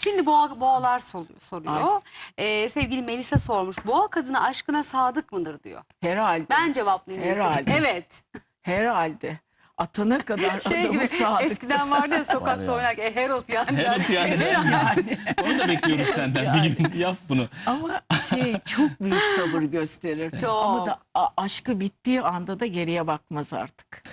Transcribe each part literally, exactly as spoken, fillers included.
Şimdi boğa, boğalar sol- soruyor. Ay. Ee, sevgili Melisa sormuş. Boğa kadını aşkına sadık mıdır diyor. Herhalde. Ben cevaplayayım. Melisa'cığım. Herhalde. Evet. Herhalde. Atana kadar Şey adamı gibi sadık. eskiden vardı ya Var sokakta ya. oynarken e, Herod yani. Herod yani. Yani. Onu da bekliyoruz senden. Yani. Bir gün yap bunu. Ama şey çok büyük sabır gösterir. Çok. Ama da a- aşkı bittiği anda da geriye bakmaz artık.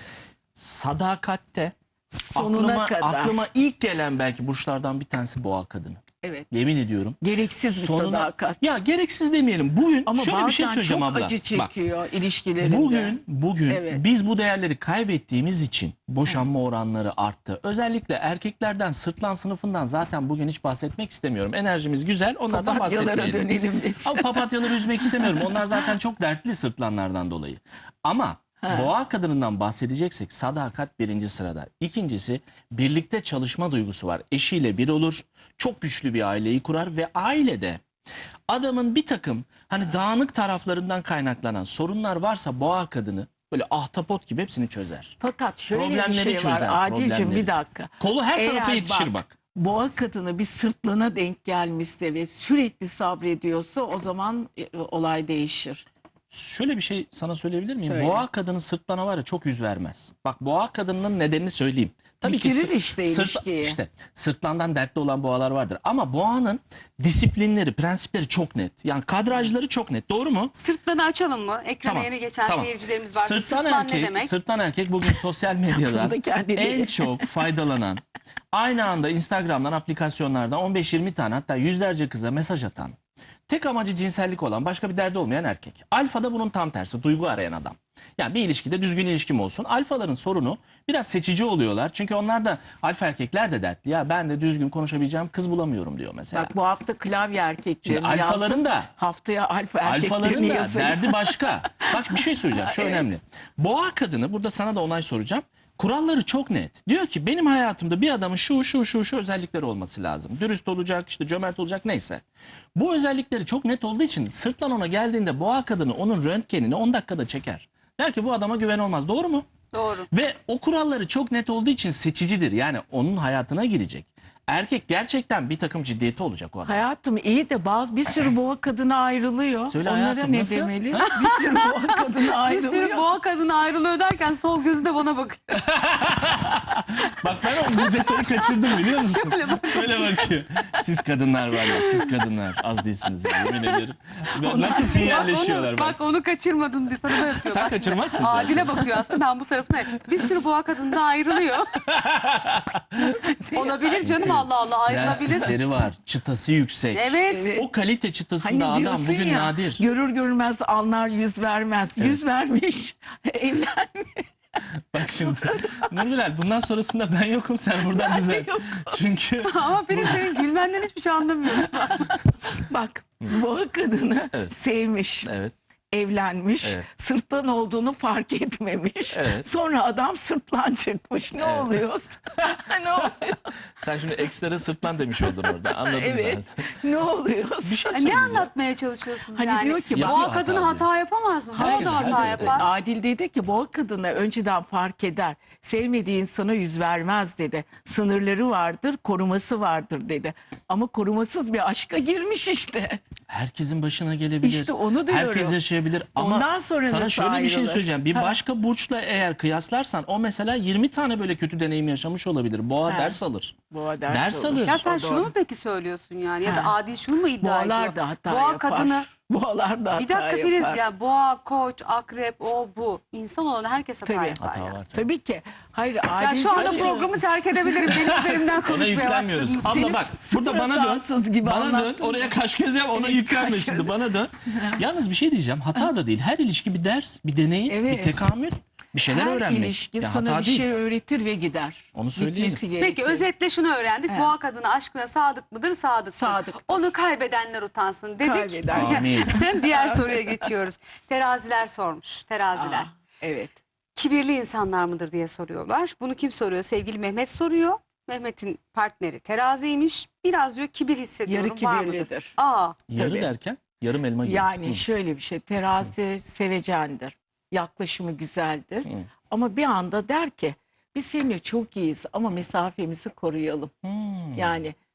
Sadakatte Sonuna aklıma, kadar. aklıma ilk gelen belki burçlardan bir tanesi boğa kadını. Evet. Yemin ediyorum. Gereksiz bir Sonuna- sadakat. Ya gereksiz demeyelim. Bugün Ama şöyle bir şey bazen söyleyeceğim çok abla. acı Bak, çekiyor ilişkilerinde. bugün bugün Evet. biz bu değerleri kaybettiğimiz için boşanma oranları arttı. Özellikle erkeklerden, sırtlan sınıfından zaten bugün hiç bahsetmek istemiyorum. Enerjimiz güzel, onlardan Papatyalara bahsetmeyelim. dönelim biz. Ama papatyaları üzmek istemiyorum. Onlar zaten çok dertli sırtlanlardan dolayı. Ama boğa kadınından bahsedeceksek sadakat birinci sırada. İkincisi birlikte çalışma duygusu var. Eşiyle bir olur. Çok güçlü bir aileyi kurar ve ailede adamın bir takım hani dağınık taraflarından kaynaklanan sorunlar varsa boğa kadını böyle ahtapot gibi hepsini çözer. Fakat şöyle bir Problemleri şey çözer, var. Adil'cim problemleri. bir dakika. Kolu her tarafa Eğer yetişir bak. Boğa kadını bir sırtlana denk gelmişse ve sürekli sabrediyorsa o zaman e, olay değişir. Şöyle bir şey sana söyleyebilir miyim? Söyle. Boğa kadını sırtlana var ya çok yüz vermez. Bak boğa kadının nedenini söyleyeyim. Bitirir sır- işte ilişkiyi. işte sırtlandan dertli olan boğalar vardır. Ama boğanın disiplinleri, prensipleri çok net. Yani kadrajları çok net. Doğru mu? Sırtlarını açalım mı? Ekrana Tamam, yeni geçen tamam. seyircilerimiz varsa Sırtlan sırtlan erkek, ne demek? Sırtlan erkek bugün sosyal medyadan Bunu kendi en değil. çok faydalanan, aynı anda Instagram'dan, aplikasyonlardan on beş yirmi tane hatta yüzlerce kıza mesaj atan, tek amacı cinsellik olan, başka bir derdi olmayan erkek. Alfa da bunun tam tersi, duygu arayan adam. Yani bir ilişkide düzgün ilişkim olsun. Alfaların sorunu biraz seçici oluyorlar. Çünkü onlar da alfa erkekler de dertli. Ya ben de düzgün konuşabileceğim kız bulamıyorum diyor mesela. Bak bu hafta klavye erkeklerini Şimdi alfaların yazdım. da- Haftaya alfa Alfaların erkeklerini da yazın. derdi başka. Bak bir şey söyleyeceğim. Şu Evet. önemli. Boğa kadını burada sana da onay soracağım. Kuralları çok net. Diyor ki benim hayatımda bir adamın şu şu şu şu özellikleri olması lazım. Dürüst olacak, işte cömert olacak neyse. Bu özellikleri çok net olduğu için sırtlan ona geldiğinde boğa kadını onun röntgenini on dakikada çeker. Der ki bu adama güven olmaz. Doğru mu? Doğru. Ve o kuralları çok net olduğu için seçicidir. Yani onun hayatına girecek. Erkek gerçekten bir takım ciddiyeti olacak o adam. Hayatım iyi de bazı bir sürü boğa kadını ayrılıyor. Söyle Onlara hayatım, ne nasıl? demeli? Bir sürü boğa kadını Bir ayrılıyor. sürü boğa kadını ayrılıyor derken sol gözü de bana bakıyor. Bak ben o bu detayı kaçırdım biliyor musun? Şöyle bak. Öyle bakıyor. Siz kadınlar var ya, siz kadınlar az değilsiniz ya, yemin ederim. Ben- Nasıl sinyalleşiyorlar bak, bak. onu, bak onu kaçırmadın diye sana böyle yapıyor. Sen Bak şimdi, kaçırmazsın sen. Adile bakıyor aslında ben bu tarafına. Bir sürü boğa kadın da ayrılıyor. Olabilir canım Allah Allah ayrılabilir. Prensipleri var, çıtası yüksek. Evet. Evet. O kalite çıtasında Hani adam diyorsun bugün ya, nadir. görür görmez anlar yüz vermez. Yüz vermiş, evlenmiş. Bak şimdi Nurgülal bundan sonrasında ben yokum, sen buradan düzel. Yok. Çünkü Ama benim senin gülmenden hiçbir şey anlamıyorsun. Bak boğa kadını Evet. sevmiş. evet. Evlenmiş, Evet. sırtlan olduğunu fark etmemiş. Evet. Sonra adam sırtlan çıkmış. Ne Evet. oluyor? ne oluyor? Sen şimdi ekslere sırtlan demiş oldun orada, anladım Evet. ben. Ne oluyor? Bir şey ne söyleyeceğim. anlatmaya çalışıyorsunuz Hani yani? diyor ki, bak- boğa Yapıyor kadını hata hata yapamaz mı? Boğa Herkes da hata hata yapar. Adil dedi ki boğa kadını önceden fark eder. Sevmediği insana yüz vermez dedi. Sınırları vardır, koruması vardır dedi. Ama korumasız bir aşka girmiş işte. Herkesin başına gelebilir. İşte onu diyorum. Herkes yaşayabilir ama Ondan sonra sana nasıl şöyle bir şey ayrılır? söyleyeceğim. Bir Ha. başka burçla eğer kıyaslarsan o mesela yirmi tane böyle kötü deneyim yaşamış olabilir. Boğa Ha. ders alır. Boğa ders, Ders olur. alır. Ya sen O şunu doğru. mu peki söylüyorsun yani? Ya da Ha. Adil şunu mu iddia ediyor? Boğalar da hata Boğa yapar. kadını... Boğalar da hata Bir dakika yapar. Filiz ya boğa, koç, akrep, o bu. İnsan olan herkes hata Tabii. yapar Hata ya. var. Tabii ki. Hayır, Ya Adil şu anda diyor ki- programı terk edebilirim. Benim üzerimden Ona konuşmaya yüklenmiyoruz. başladınız. Abla Siz- bak burada bana dön. rahatsız gibi Bana dön. anlattın. Oraya kaş göz yap, ona Evet, yüklenme kaş şimdi. göz. Bana dön. Yalnız bir şey diyeceğim. Hata da değil. Her ilişki bir ders, bir deneyim, Evet. bir tekamül. Bir şeyler Her öğrenmek. ilişki Ya sana hata bir değil. şey öğretir ve gider. Onu söyleyelim. Gitmesi Peki gerekir. özetle şunu öğrendik. Evet. Boğa kadını aşkına sadık mıdır? Sadıktır. Sadıktır. Onu kaybedenler utansın dedik. Kaybeden. Amin. Diğer soruya geçiyoruz. Teraziler sormuş. Teraziler. Aa, evet. Kibirli insanlar mıdır diye soruyorlar. Bunu kim soruyor? Sevgili Mehmet soruyor. Mehmet'in partneri teraziymiş. Biraz diyor kibir hissediyorum. Yarı Var mıdır? kibirlidir. Aa, Yarı Tabii. derken yarım elma gibi. Yani Hı. şöyle bir şey, terazi sevecendir. Yaklaşımı güzeldir. Hı. Ama bir anda der ki biz seninle çok iyiyiz ama mesafemizi koruyalım. Hmm. Yani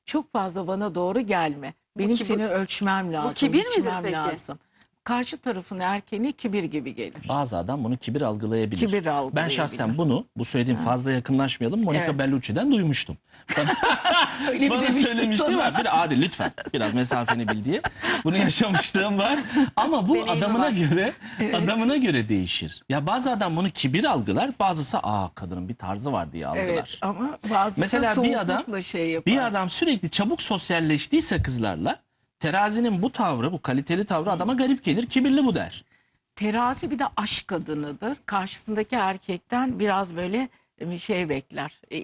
Çok fazla bana doğru gelme. Benim kibir- seni ölçmem lazım. kibir midir biçmem peki? lazım. Karşı tarafın erkeğine kibir gibi gelir. Bazı adam bunu kibir algılayabilir. Kibir Ben algılayabilir. şahsen bunu, bu söylediğim fazla yakınlaşmayalım, Monica Evet. Bellucci'den duymuştum. Öyle mi Bana demiştin söylemişti sana? var. Bir Adil lütfen biraz mesafeni bil diye. Bunu yaşamışlığım var. Ama bu Deneyimi adamına var. göre adamına göre değişir. Ya bazı adam bunu kibir algılar, bazısı aa kadının bir tarzı var diye algılar. Evet ama bazısı Mesela bir adam soğuklukla şey yapar. bir adam sürekli çabuk sosyalleştiyse kızlarla, terazinin bu tavrı, bu kaliteli tavrı adama garip gelir. Kibirli bu der. Terazi bir de aşk kadınıdır. Karşısındaki erkekten biraz böyle e, şey bekler. e,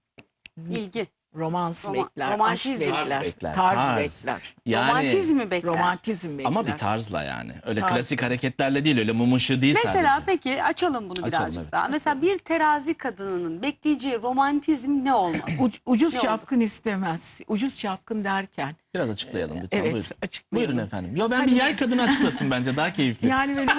İlgi. Romans Roma- bekler, aşk romantizm. bekler, Tarz bekler, tarz, tarz. bekler. Yani, Romantizmi bekler. Romantizm bekler. ama bir tarzla yani. Öyle Tarz. klasik hareketlerle değil, öyle mum ışığı değil Mesela sadece. peki açalım bunu Açalım, birazcık evet. daha. Mesela bir terazi kadınının bekleyeceği romantizm ne olmalı? Uc- ucuz Ne şapkın istemez. Ucuz şapkın derken. Biraz açıklayalım lütfen. Evet, Buyurun. açıklayalım. Buyurun efendim. Yo ben bir yay kadını açıklasın bence daha keyifli. Yani böyle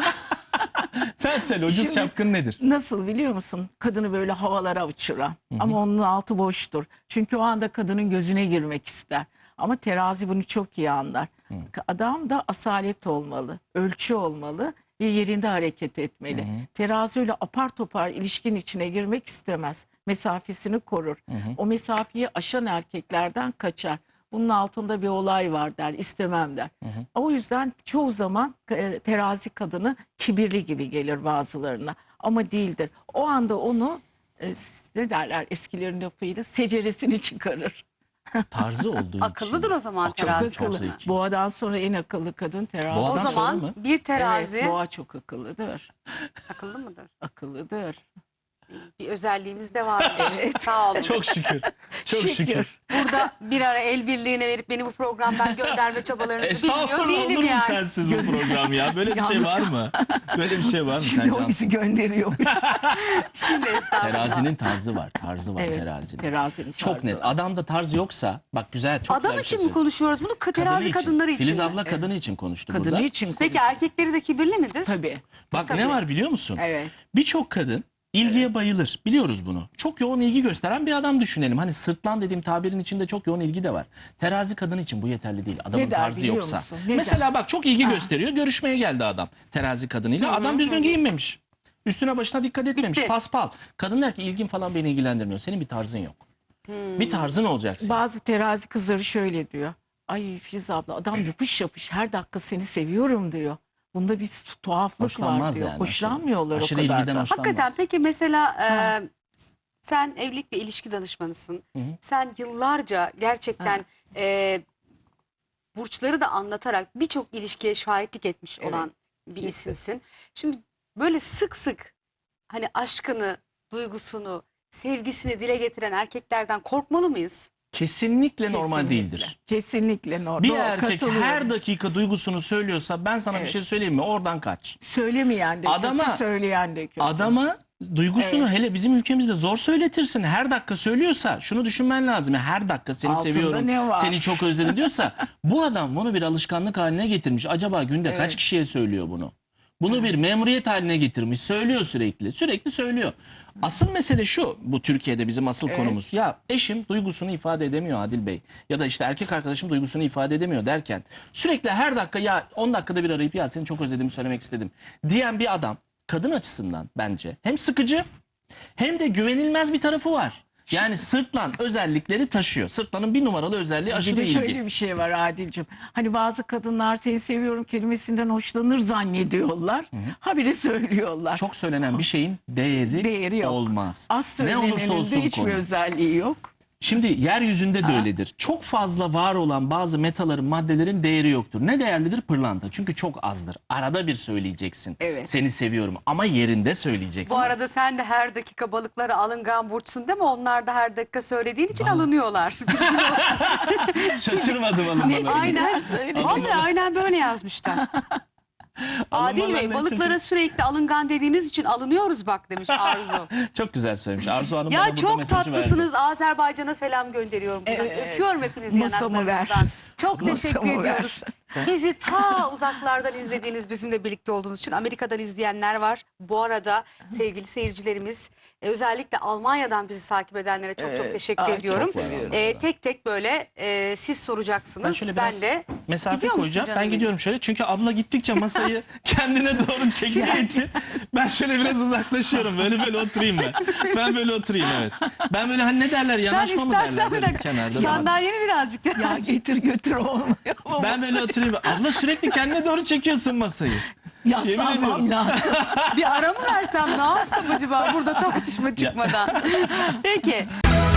Sen söyle ucuz Şimdi- şapkın nedir? nasıl biliyor musun? Kadını böyle havalara uçuran. Ama onun altı boştur. Çünkü o anda kadının gözüne girmek ister. Ama terazi bunu çok iyi anlar. Adam da asalet olmalı, ölçü olmalı ve yerinde hareket etmeli. Terazi öyle apar topar ilişkin içine girmek istemez. Mesafesini korur. O mesafeyi aşan erkeklerden kaçar. Bunun altında bir olay var der, istemem der. O yüzden çoğu zaman e, terazi kadını kibirli gibi gelir bazılarına. Ama değildir. O anda onu e, ne derler eskilerin lafıyla seceresini çıkarır. Tarzı olduğu için. Akıllıdır o zaman Çok terazi çok kadını. zeki. Boğadan sonra en akıllı kadın terazi. Boğadan O sonra zaman mı? bir terazi Evet, boğa çok akıllıdır. akıllı mıdır? Akıllıdır. Bir özelliğimiz de var. Sağ olun. Çok şükür. Çok şükür. Burada bir ara el birliğine verip beni bu programdan gönderme çabalarınızı bilmiyor Estağfurullah, değilim olur mu yani. sensiz bu program ya? Böyle bir şey Yalnız var mı? Böyle bir şey var mı Şimdi o sence? bizi gönderiyormuş. Şimdi estağfurullah. Terazinin tarzı var. Tarzı var Evet, terazinin. terazinin Çok tarzı net. var. Adamda tarz yoksa bak güzel çok Adam güzel bir için şey mi konuşuyoruz bunu? Ka- Kadını Terazi için. kadınları için Filiz mi? abla kadını için konuştu Kadını burada. için Peki konuş- erkekleri de kibirli midir? Tabii. Bak Tabii. ne var biliyor musun? Evet. Birçok kadın ilgiye bayılır. Biliyoruz bunu. Çok yoğun ilgi gösteren bir adam düşünelim. Hani sırtlan dediğim tabirin içinde çok yoğun ilgi de var. Terazi kadın için bu yeterli değil. Adamın Ne der tarzı biliyor yoksa. musun? Ne Mesela bak çok ilgi gösteriyor. Görüşmeye geldi adam terazi kadınıyla. Adam düzgün giyinmemiş. Üstüne başına dikkat etmemiş. Bitti. Paspal. Kadın der ki ilgin falan beni ilgilendirmiyor. Senin bir tarzın yok. Bir tarzın olacak senin. Bazı terazi kızları şöyle diyor. Ay Filiz abla adam yapış yapış her dakika seni seviyorum diyor. Bunda bir tuhaflık var Hoşlanmaz diyor. yani. Hoşlanmıyorlar aşırı, o kadar ilgiden da. hoşlanmaz. Hakikaten peki mesela e, sen evlilik ve ilişki danışmanısın. Hı hı. Sen yıllarca gerçekten e, burçları da anlatarak birçok ilişkiye şahitlik etmiş Evet, olan bir kesin. isimsin. Şimdi böyle sık sık hani aşkını, duygusunu, sevgisini dile getiren erkeklerden korkmalı mıyız? Kesinlikle normal Kesinlikle. değildir. Kesinlikle normal. Bir Doğru, erkek katılıyorum. her dakika duygusunu söylüyorsa ben sana bir Evet. şey söyleyeyim mi? Oradan kaç. Söylemeyen de Adama- kötü, söyleyen de kötü. Adama duygusunu Evet. hele bizim ülkemizde zor söyletirsin. Her dakika söylüyorsa şunu düşünmen lazım. Ya her dakika seni Altında seviyorum, ne var? seni çok özledim diyorsa bu adam bunu bir alışkanlık haline getirmiş. Acaba günde Evet. kaç kişiye söylüyor bunu? Bunu bir memuriyet haline getirmiş. Söylüyor sürekli. Sürekli söylüyor. Asıl mesele şu. Bu Türkiye'de bizim asıl Evet. konumuz. Ya eşim duygusunu ifade edemiyor Adil Bey. Ya da işte erkek arkadaşım duygusunu ifade edemiyor derken sürekli her dakika ya on dakikada bir arayıp ya seni çok özledim söylemek istedim diyen bir adam kadın açısından bence hem sıkıcı hem de güvenilmez bir tarafı var. Yani sırtlan özellikleri taşıyor. Sırtlanın bir numaralı özelliği aşırı Bir de ilgi. şöyle bir şey var Adil'cim. Hani bazı kadınlar seni seviyorum kelimesinden hoşlanır zannediyorlar. Habire söylüyorlar. Çok söylenen bir şeyin değeri, Değeri yok. olmaz. Az Ne olursa söylenenin olsun de hiçbir konu. özelliği yok. Şimdi yeryüzünde de öyledir. Çok fazla var olan bazı metaların, maddelerin değeri yoktur. Ne değerlidir? Pırlanta. Çünkü çok azdır. Arada bir söyleyeceksin. Evet. Seni seviyorum ama yerinde söyleyeceksin. Bu arada sen de her dakika balıklara alıngan burçsun değil mi? Onlar da her dakika söylediğin için alınıyorlar. Bilgin olsun. Şaşırmadım hanım bana. Aynen. Vallahi aynen böyle yazmışlar. Adil Bey Alınmalarına balıklara sürekli alıngan dediğiniz için alınıyoruz bak demiş Arzu. Çok güzel söylemiş. Arzu Hanım bana Ya burada çok mesajı verdi. tatlısınız. Azerbaycan'a selam gönderiyorum. buradan. Evet. Öpüyorum hepinizi Masamı ver. yanaklarınızdan. Çok Masamı teşekkür ver. ediyoruz. Bizi ta uzaklardan izlediğiniz, bizimle birlikte olduğunuz için Amerika'dan izleyenler var. Bu arada sevgili seyircilerimiz E, özellikle Almanya'dan bizi takip edenlere çok çok Evet. teşekkür Ay, çok ediyorum. seviyorum. E, tek tek böyle e, siz Ben soracaksınız. şöyle Ben, biraz de mesafe Gidiyor musun koyacağım. canım Ben benim? gidiyorum şöyle. Çünkü abla gittikçe masayı kendine doğru çektiği için ben şöyle biraz uzaklaşıyorum. Böyle böyle oturayım ben. Ben böyle oturayım, evet. Ben böyle hani ne derler, sen yanaşma mı derler istersen bir böyle dakika kenarda. sandalyeni birazcık Ya getir götür olmuyor ama Ben böyle oturayım. Abla sürekli kendine doğru çekiyorsun masayı. Yemin ediyorum. yaslanmam lazım. bir ara mı versem ne yapsam acaba burada tartışma çıkmadan. Peki.